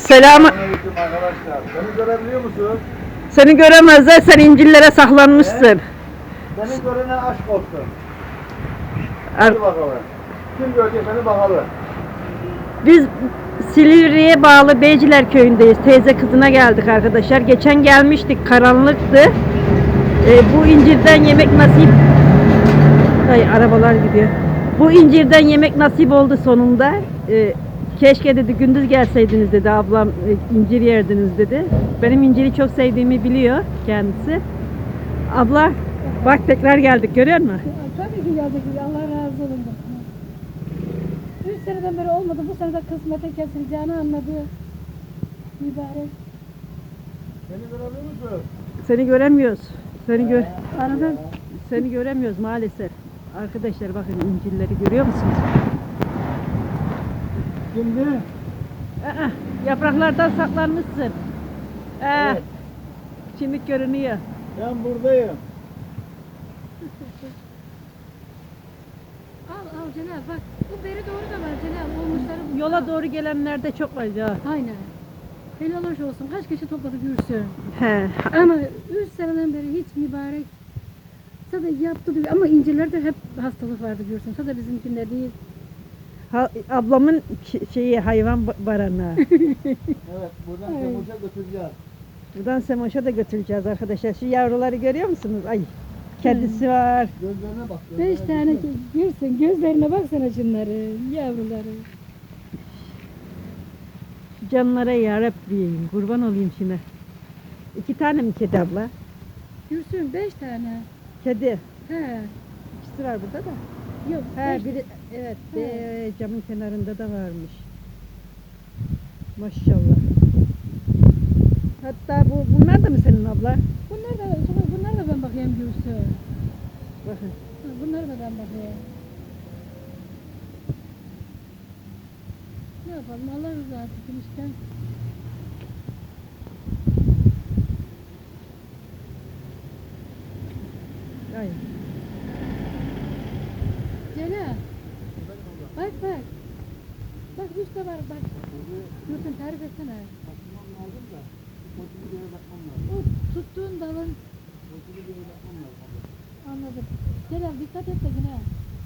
Selam. Selamünaleyküm arkadaşlar. Beni görebiliyor musun? Seni göremezler, sen incillere saklanmışsın. Beni görene aşk olsun. Ar- Hadi bakalım. Kim görecek beni bakalım. Biz Silivri'ye bağlı Beyciler köyündeyiz. Teyze kızına geldik arkadaşlar. Geçen gelmiştik, karanlıktı. Bu incirden yemek nasip... Ay, arabalar gidiyor. Bu incirden yemek nasip oldu sonunda. Keşke dedi gündüz gelseydiniz dedi ablam, incir yerdiniz dedi. Benim inciri çok sevdiğimi biliyor kendisi. Abla bak tekrar geldik, görüyor musun? Tabii ki geldik. Allah razı olsun. 3 seneden beri olmadı. Bu sene de kısmete kesileceğini anladı. Mübarek. Beni görebiliyor musun? Seni göremiyoruz. Arada Seni göremiyoruz maalesef. Arkadaşlar bakın incirleri görüyor musunuz? Şimdi Aa, yapraklardan saklanmışsın. Evet. Şimdi görünüyor. ben buradayım. al Celal bak. Bu beri doğru da var Celal. Olmuşları Yola doğru gelenlerde çok var ya. Aynen. Helal hoş olsun. Kaç kişi topladı Gürsün. He. Ama 3 seneden beri hiç mübarek. Sadece yaptı diyor. Ama incirlerde hep hastalık vardı Gürsün. Sadece bizimkinde değil. Ablamın şeyi hayvan baranağı. Evet buradan Kemal'e götüreceğiz. Buradan Semoş'a da götüreceğiz arkadaşlar. Şu yavruları görüyor musunuz? Ay, kedisi var. Gözlerine bak. 5 tane Gürsün. Gözlerine baksana şunları. Yavruları. Şu canlara yarabbim. Kurban olayım şimdi. 2 tane mi kedi abla? Gürsün 5 tane. Kedi. He. İkisi var burada da. Yok. He, beş- biri evet, He. camın kenarında da varmış. Maşallah. Hatta bunlar da mı senin abla? Bunlar da ben bakayım Gürsün. Bakın. Bunları da ben bakayım. Ne yapalım Allah rızası için işte. Ay. Celal. Bak bak. Bak üstte var bak. Gürsün tarif etsene. Bakmam lazım da. Koçunu bir yere bakmam lazım. O tuttuğun dalın. Koçunu bir yere bakmam lazım. Anladım. Celal dikkat et de yine.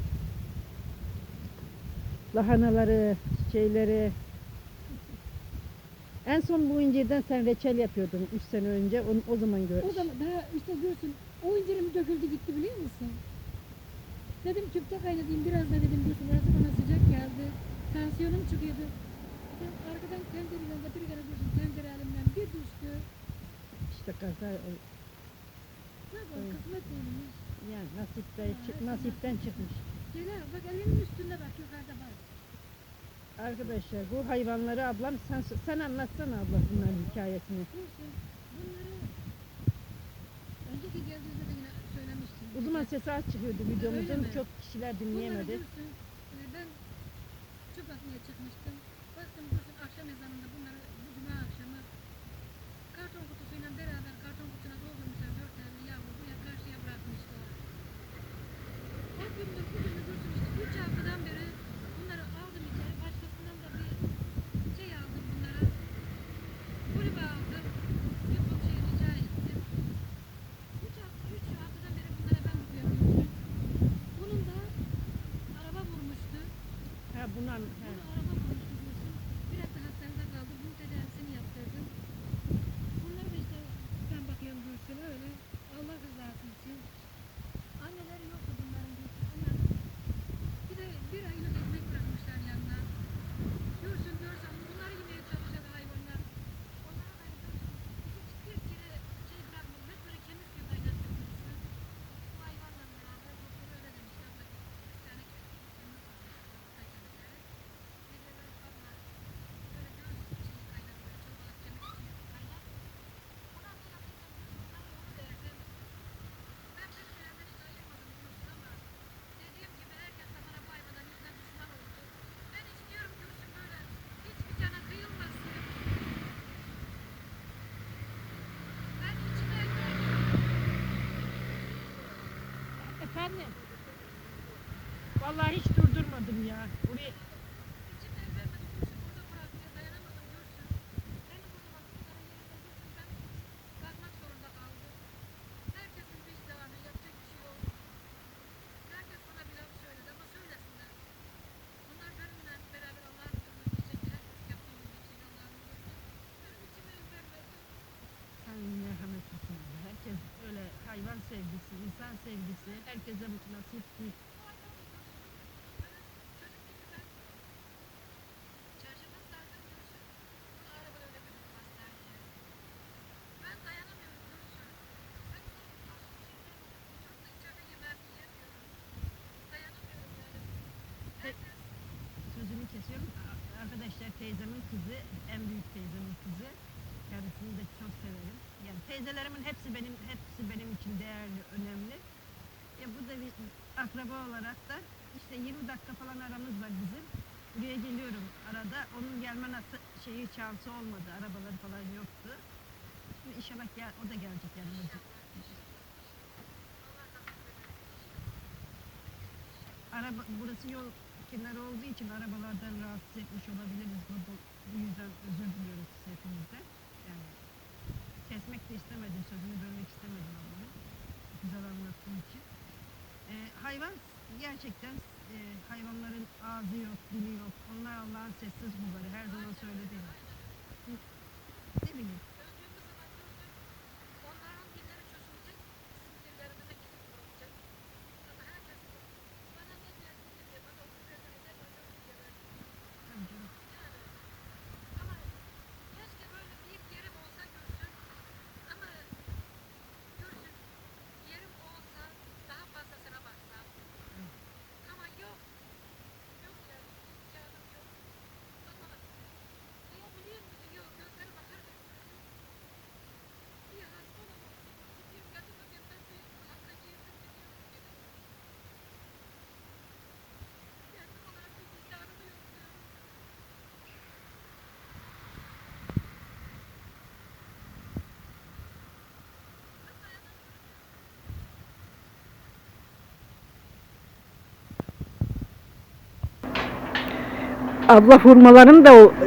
Lahanaları, şeyleri. En son bu incirden sen reçel yapıyordun 3 sene önce. O zaman gör. O zaman daha işte Gürsün o incirim döküldü gitti biliyor musun? Dedim tüpte kaynatayım biraz da dedim Gürsün orası bana sıcak geldi. Tansiyonum çıkıyordu. Ben arkadan tencereyle de bir kere Gürsün tencere elimden bir düştü. İşte kaza Ne yapalım kısmet değilmiş. yani nasipten çıkmış. Celal bak elinin üstünde bak yukarıda bak. Arkadaşlar bu hayvanları ablam sen anlatsana abla bunların hikayesini. Gürsün bunları önceki geldiğimde de yine söylemiştim. O zaman sesi az çıkıyordu videomuzun, Öyle mi? çok kişiler dinleyemedi. Bunları Gürsün ben çöp atmaya çıkmıştım. Baktım Gürsün akşam ezanında bunları bu cuma akşamı karton kutusuyla beraber karton kutusuna doldurmuşlar 4 tane yavru buraya karşıya bırakmışlar. O gündür bugündür Gürsün işte 3 haftadan beri bunları aldım içeri başkasından da bir şey aldım bunlara. Kulübe aldım. Yapıp şey rica ettim. 3 haftadan beri bunlara ben bakıyorum Gürsün. Bunun da araba vurmuştu. Ha bunlar Bunu araba vurmuştu Gürsün. Bir hafta hastanede kaldı. Bunun tedavisini yaptırdım. Bunlar da işte ben bakıyorum Gürsün öyle. Allah rızası için. Anneleri yoktu bunların Gürsün. Onlar bir de bir aylık ekmek bırakmışlar yanına. Gürsün görsen bunları yemeye çalışan hayvanlar. Onlara da hiçbir kere şey bırakmıyor. Hep böyle kemik suyu kaynattım Gürsün. Bu hayvanla beraber doktor öyle demişler. Bak 3 tane kemik suyu kaynattı. Geceleri abla böyle göğüs şeyi kaynatıyor. Çorbalık kemik suyu kaynat. Ondan sonra bunları onu verdim. Ben pek şeylerden hiç ayırmadım Gürsün ama dediğim gibi herkes de bana bu hayvanların yüzünden düşman oldu. Ben istiyorum Gürsün böyle hiçbir cana kıyılmasın. Ben içime efendim. Vallahi hiç durdurmadım ya. Buraya içime vermedim Gürsün burada bırakmaya dayanamadım Gürsün. Herkese nasip değil. Çarşamba zaten Gülsün. Bunu arabada öyle götürdüm hastaneye. Ben dayanamıyorum Gülsün. Ben çok da içeride yemeğimi yiyemiyorum. Dayanamıyorum yani. Herkes Sözünü kesiyorum. Arkadaşlar teyzemin kızı, en büyük teyzemin kızı. Kendisini de çok severim. Yani teyzelerimin hepsi benim için değerli, önemli. Bu da bir akraba olarak da işte 20 dakika falan aramız var bizim. Buraya geliyorum arada. Onun gelme şansı olmadı. Arabaları falan yoktu. Şimdi inşallah o da gelecek yanımıza. Burası yol kenarı olduğu için arabalardan rahatsız etmiş olabiliriz. Bu yüzden özür diliyoruz hepimizden. Yani kesmek de istemedim, sözünü bölmek istemedim ama güzel anlattığım için. Hayvan gerçekten hayvanların ağzı yok, dili yok. Onlar Allah'ın sessiz kulları. Her zaman söylediğim. Ne bileyim. öldüğümüz zaman Gülsün, onların dilleri çözülecek, bizim dillerimize gidip vurulacak. Ama herkes bana ne dersin diye, bana onu vermedi, ben ölürüm diye verdim. Tabii canım. Yani ama keşke böyle bir yerim olsa Gülsün. Ama Gülsün, yerim olsa daha fazlasına baksam. Ama yok. Yok yani imkanım yok. Ama diyebiliyor musun? Yok gözleri bakarken görüyorum. Bir hasta olamam. Gidiyorum kadına ben bir hasta giyindim gidiyorum gene. Kendim olarak bir vicdanımı yokluyorum. Ben dayanamıyorum. Abla hurmaların da o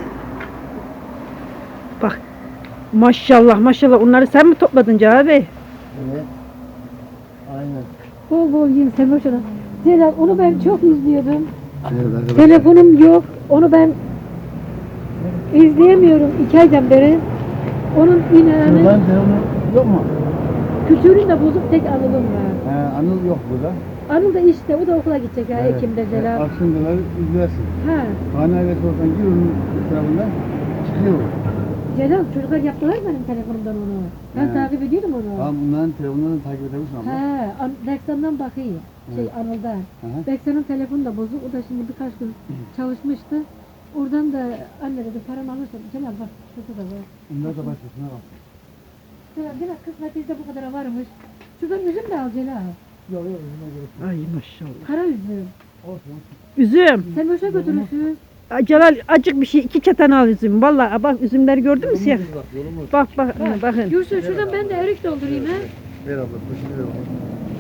bak maşallah maşallah onları sen mi topladın Cahil Bey? Evet. Aynen. Bol bol yiyin Semoş Hanım. Celal onu ben çok izliyordum. Evet arkadaşlar. Telefonum yok. Onu ben izleyemiyorum 2 aydan beri. Onun inanı Şuradan telefonu yok mu? kültürün de bozuk tek Anıl'ım var. Anıl yok burada. Anıl da işte o da okula gidecek ha Evet. Ekim'de Celal. Akşamları izlersin. Ha. Hane ailesi olsan gir onun tarafından çıkıyor. Celal çocuklar yaptılar benim telefonumdan onu. Ben He. takip ediyordum onu. Tamam bunların telefonlarını takip edebilirsin abla. He, Beksan'dan bakayım. Şey Anıl'dan. Hı hı. Beksan'ın telefonu da bozuk. O da şimdi birkaç gün çalışmıştı. Oradan da anne dedi paramı alırsan. Celal bak şurada da var. Bunlar da başkasına bak. Celal biraz kısmetizde bu kadar varmış. Şuradan üzüm de al Celal. Yok yok üzüme gerek yok. Ay maşallah. Kara üzüm. Olsun. Üzüm. Sen boşa götürürsün. Ay, Celal acık bir şey 2 çatan al üzüm. Vallahi bak üzümleri gördün mü siyah? Bak yolumuz. Bak bakın. Gülsün şuradan ben de erik doldurayım ha. Ver abla poşeti ver abla.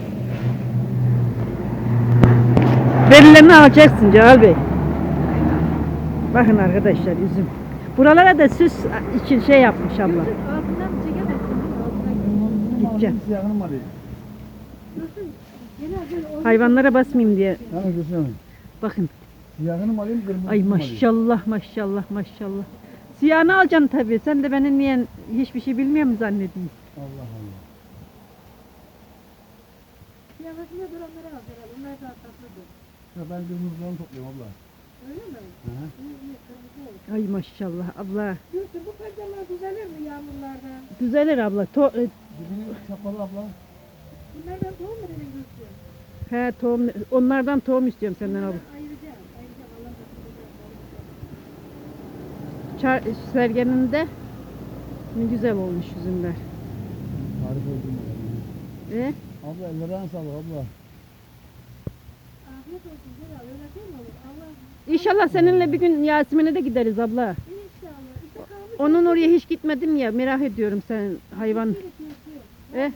Verilerini alacaksın Cahil Bey. Bakın arkadaşlar üzüm. Buralara da süs için şey yapmış abla. Gülsün altından çekemezsin. Altından Gideceğim. Siyahını mı arayayım? Gülsün. Celal böyle oyun- Hayvanlara basmayayım diye. Tamam Gülsün. Bakın. Siyahını mı alayım kırmızısını Ay mı alayım? maşallah maşallah maşallah. Siyahını alacaksın tabii. Sen de beni niye hiçbir şey bilmiyor mu zannediyorsun? Allah Allah. Kıyafetinde duranları al Celal. Onlar daha tatlıdır. Ya ben kırmızılarını topluyorum abla. Öyle mi? Hı hı. İyi iyi kırmızı olsun. Ay maşallah abla. Gülsün bu perdeler düzelir mi yağmurlardan? Düzelir abla. Dibini çapalı abla. Bunlardan tohum mu dedin Gülsün? He tohum, onlardan tohum istiyorum senden abla. Ayıracağım. Ayıracağım. Allah nasip ederse. Sergen'in de ne güzel olmuş üzümler. Harika oldum. Abla ellerine sağlık abla. Afiyet olsun Celal. Öyle değil mi olur? Allah İnşallah seninle bir gün Yasemin'e de gideriz abla. inşallah. İşte kalmış. Onun oraya hiç gitmedim ya merak ediyorum sen hayvan. Eh.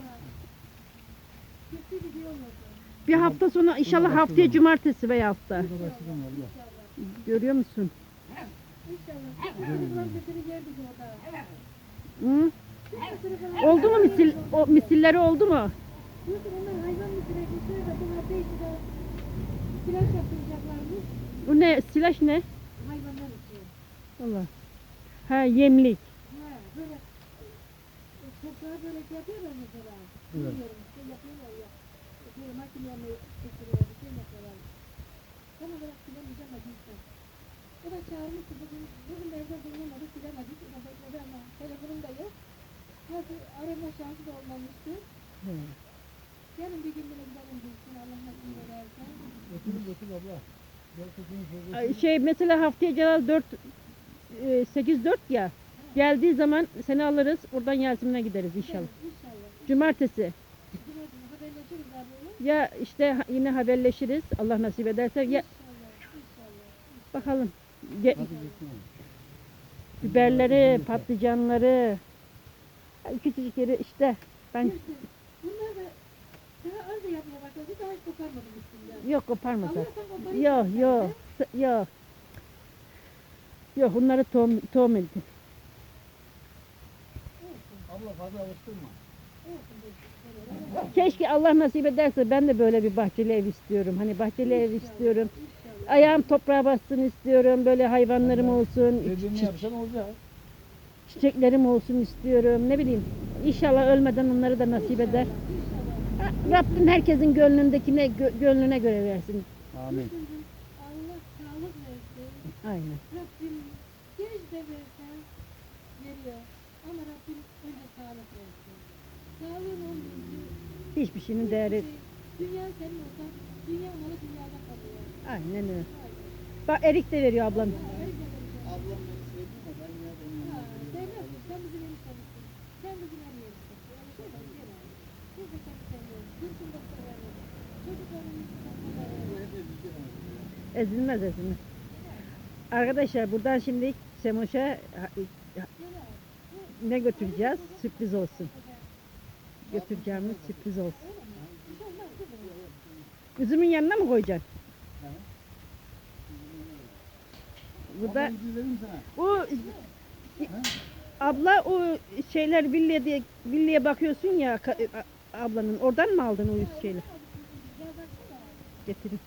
Kötü gidiyorlar. Bir hafta sonra inşallah haftaya cumartesi veya hafta. Burada başlayalım abla. Görüyor musun? İnşallah. Çocuklar kötü yerdik orada. Hı? Kötü falan. Oldu mu misilleri oldu mu? Yoksa onlar hayvan mı sürekli de bunlar belki de silaj yaptıracaklarmış. Bu ne? Silaş ne? Hayvanlar için. Allah. Ha yemlik. Ha böyle toprağa böyle şey yapıyorlar mesela. Evet. Bilmiyorum işte yapıyorlar ya. Böyle makineyle çekiyorlar, şey yapıyorlar. Tam olarak bilemeyeceğim ama gittim. O da çağırmıştı bugün evde bulunmadı, bilemedik. O da bekledi ama telefonum da yok. Nasıl arama şansı da olmamıştı. Yarın bir gün bile gidelim bilsin Allah nasip ederse. Götür abla. Şey mesela haftaya Celal 8-4 ya. Geldiği zaman seni alırız. Oradan Yasemin'e gideriz inşallah. İnşallah. Cumartesi. Cumartesi haberleşiriz abi. Ya işte yine haberleşiriz. Allah nasip ederse. Ya İnşallah. İnşallah. bakalım. Hadi gitsin. Biberleri, patlıcanları. Küçücük yeri işte. Ben Bunlar da daha az da yapmaya başladı. Daha hiç koparmadım üstünden. yok koparmasa. Allah'tan koparayım. Yok yok. Yok. Yok bunları tohum ettim. Abla fazla alıştırma. Keşke Allah nasip ederse ben de böyle bir bahçeli ev istiyorum. Hani bahçeli ev istiyorum. Ayağım toprağa bassın istiyorum. Böyle hayvanlarım olsun. Dediğini yapsan olacak. Çiçeklerim olsun istiyorum. Ne bileyim. İnşallah ölmeden onları da nasip eder. Ha, Rabbim herkesin gönlüne göre versin. Amin. Allah sağlık versin. Aynen. Rabbim genç de versen veriyor. Ama Rabbim önce sağlık versin. Sağlığın olmayınca Hiçbir şeyin değeri. dünya senin olsa dünya malı dünyada kalıyor. Aynen öyle. Bak erik de veriyor ablam. Ablam beni sevdi ama ben ya Ha, onu sevmezsin. Sen bizim eniştemizsin. Sen bizim en iyimizsin. Öyle şey mi? Değil. Biz de seni seviyoruz. Gülsün de severiz. Çocuklarımızın da severiz. Ezilmez ezilmez. Arkadaşlar buradan şimdi Semoş'a ne götüreceğiz? Sürpriz olsun. Götüreceğimiz sürpriz olsun. Üzümün yanına mı koyacaksın? Bu da Dedim sana. o abla o şeyler villaya bakıyorsun ya ablanın oradan mı aldın o şeyler? Getirin.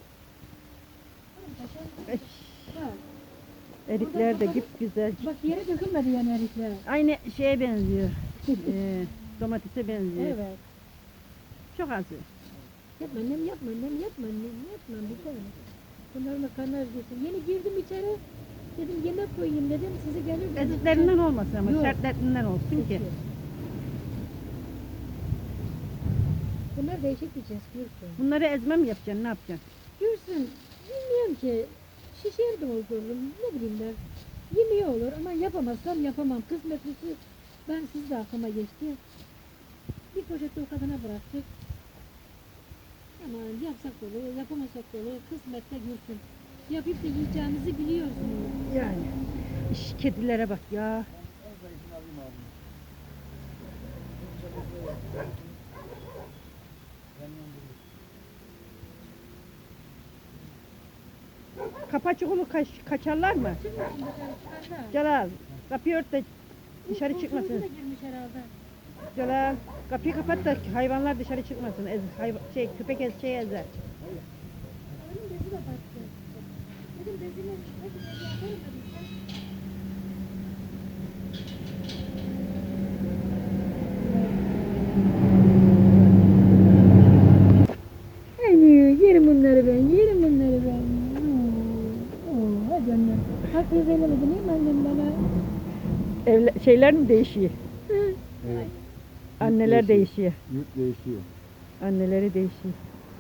Erikler de git güzel. Bak yere dökülmedi yani erikler. Aynı şeye benziyor. Domatese benziyor. Evet. Çok az. Yapma annem yapma annem yapma annem yapma bir tane. Bunların karnı acıksın. Yeni girdim içeri. Dedim yemek koyayım dedim. Sizi gelir. Eziklerinden olmasın ama Yok. sertlerinden olsun ki. Bunlar değişik bir cins Gülsün. Bunları ezme mi yapacaksın? Ne yapacaksın? Gülsün bilmiyorum ki. Şişer doldururum. Ne bileyim ben. Yemeği olur ama yapamazsam yapamam. Kısmetlisi ben siz de aklıma geçti. Bir poşette o kadına bıraktık. Ama yapsak da olur, yapamasak da olur. Kısmette Gülsün. Yapıp da yiyeceğimizi biliyorsunuz. Yani. Kedilere bak ya. Kapı çukulu kaçarlar mı? Şimdi dışarıda. Celal kapıyı ört de dışarı Komşumuz çıkmasın. da girmiş herhalde. Celal kapıyı kapat da hayvanlar dışarı çıkmasın. Köpek şey ezer. Onun bezi de battı. Dedim bezini hadi bezi yapalım dedim. Yerim bunları ben, yerim bunları ben. Hadi annem. Hakkınızı helal edin değil mi annem bana? Şeyler mi değişiyor? Evet. Anneler değişiyor. Yurt değişiyor. Anneleri değişiyor.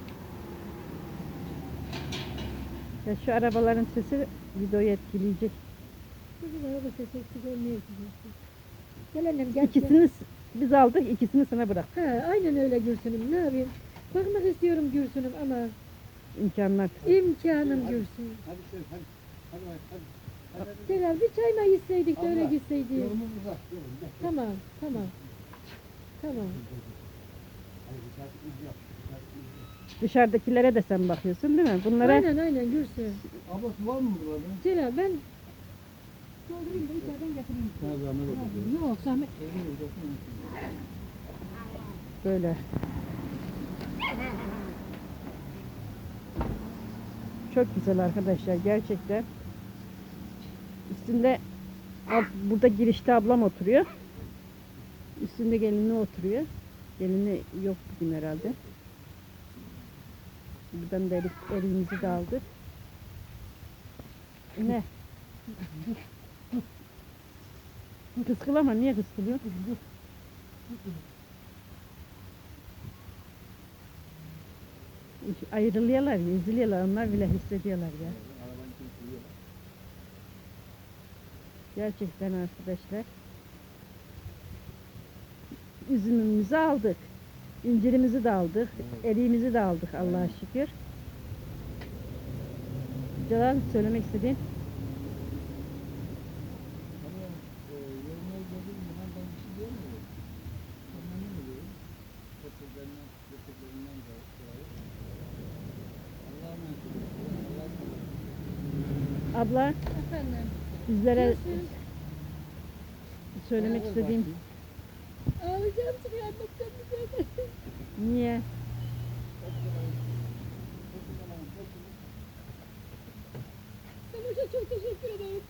Ya şu arabaların sesi videoyu etkileyecek. Bizim araba sesi eksik olmuyor ki. Gel annem gel. İkisini biz aldık, ikisini sana bırak. Ha, aynen öyle Gülsün'üm. Ne yapayım? Bakmak istiyorum Gülsün'üm ama İmkanlar. imkanım Gülsün. Hadi sen hadi. Hadi. Celal bir çay mı içseydik de öyle Abla, gitseydik. Yolumuz uzak. Yolum. Gel. Tamam, tamam. Tamam. Hadi bir saat iz yap. Bir saat iz yap. Dışarıdakilere de sen bakıyorsun değil mi? Bunlara Aynen Gülsün. Abla su var mı burada? Celal ben doldurayım da içeriden getireyim. Sana zahmet oldu. Yok zahmet. böyle. Çok güzel arkadaşlar gerçekten. Üstünde burada girişte ablam oturuyor. Üstünde gelini oturuyor. Gelini yok bugün herhalde. Buradan da eriğimizi de aldık. Ne? Kıskılama, niye kıskılıyorsun? Ayrılıyorlar ya, üzülüyorlar, onlar bile hissediyorlar ya. Arabanın içine sürüyorlar. Gerçekten arkadaşlar. Üzümümüzü aldık. İncirimizi de aldık. Eriğimizi de aldık Allah'a şükür. Celal, söylemek istediğin? Ama yoluna geldiğim zaman ben bir şey diyemiyorum. Memnun oluyorum. Getirlerinden de dolayı. Allah'a emanet olun. Allah'a emanet olun. Abla, Efendim. bizlere Görüşürüz. söylemek Beraber istediğin başlayayım. Ağlayacağım seni anlatacağım bize. niye? Samoş'a çok teşekkür ederim.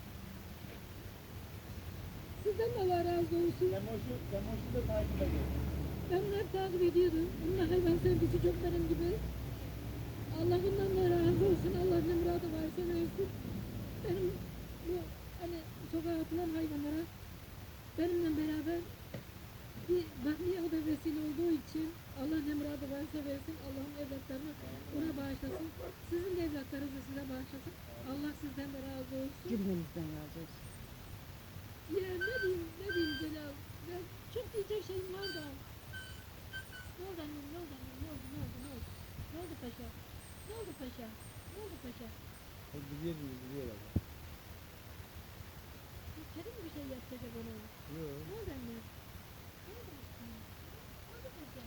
Sizden de Allah razı olsun. Demoşu da takip ediyorum. Ben hep takip ediyordum. Bunun da hayvan sevgisi çok benim gibi. Allah bundan da razı olsun. Allah ne muradı varsa versin. Benim bu hani sokağa atılan hayvanlara benimle beraber bir bakmaya o da vesile olduğu için Allah ne muradı varsa versin. Allah'ın evlatlarını ona bağışlasın. Sizin de evlatlarınızı size bağışlasın. Allah sizden de razı olsun. Cümlemizden razı olsun. Ya ne diyeyim Celal? Ya çok diyecek şeyim var da. Ne oldu annem, ne oldu annem, ne oldu, ne oldu, ne oldu? Ne oldu paşa? Ne oldu paşa? Ne oldu paşa? Biliyorlar. Kedi mi bir şey yapacak ona? Yok. Ne oldu annem? Ne oldu aşkım? Ne oldu paşa?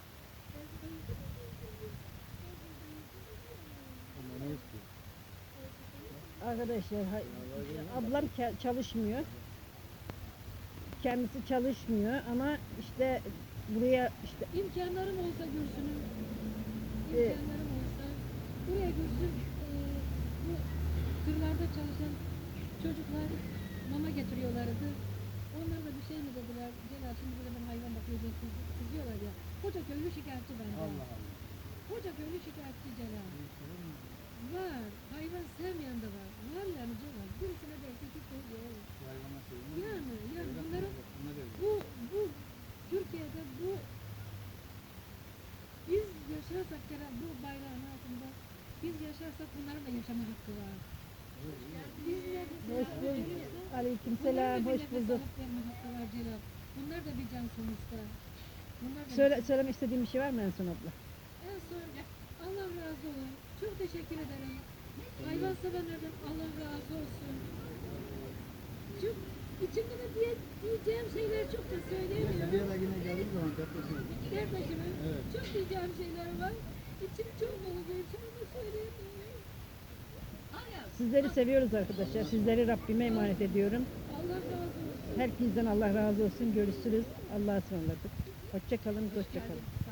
Ama ne istiyor? Arkadaşlar, ablam çalışmıyor. Kendisi çalışmıyor ama işte buraya işte İmkanlarım olsa Gülsün'üm, Evet. imkanlarım olsa buraya Gülsün bu tırlarda çalışan çocuklar mama getiriyorlardı. Onlar da bir şey mi dediler? Celal şimdi burada ben hayvan bakıyor diye kızıyorlar ya. Koca köylü şikayetçi bence. Allah Allah. Koca köylü şikayetçi Celal. Var. Hayvan sevmeyen de var. Var yani Celal. Birisine derse ki koyuyor. Hayvana söylüyor. Yani bunların Bunlar öyle. bu Türkiye'de bu biz yaşarsak Celal bu bayrağın altında biz yaşarsak bunların da yaşama hakkı var. Biz hoş bulduk. Aleykümselam, hoş bulduk. Var Celal. Bunlar da bir can sonuçta. Bunlar da Söylemek istediğim bir şey var mı en son abla? en son Allah razı olsun. Çok teşekkür ederim. Hayvan sevenlerden Allah razı olsun. Çok içimde de diyeceğim şeyler çok da söyleyemiyorum. Bir ara yine geldiğim zaman depresyona girdim. Kardeşimin Evet. çok diyeceğim şeyler var. İçim çok dolu için onu söyleyemiyorum. Sizleri seviyoruz arkadaşlar. Sizleri Rabbime emanet ediyorum. Allah razı olsun. Herkesten Allah razı olsun. Görüşürüz. Allah'a ısmarladık. Hoşça kalın, hoşça kalın.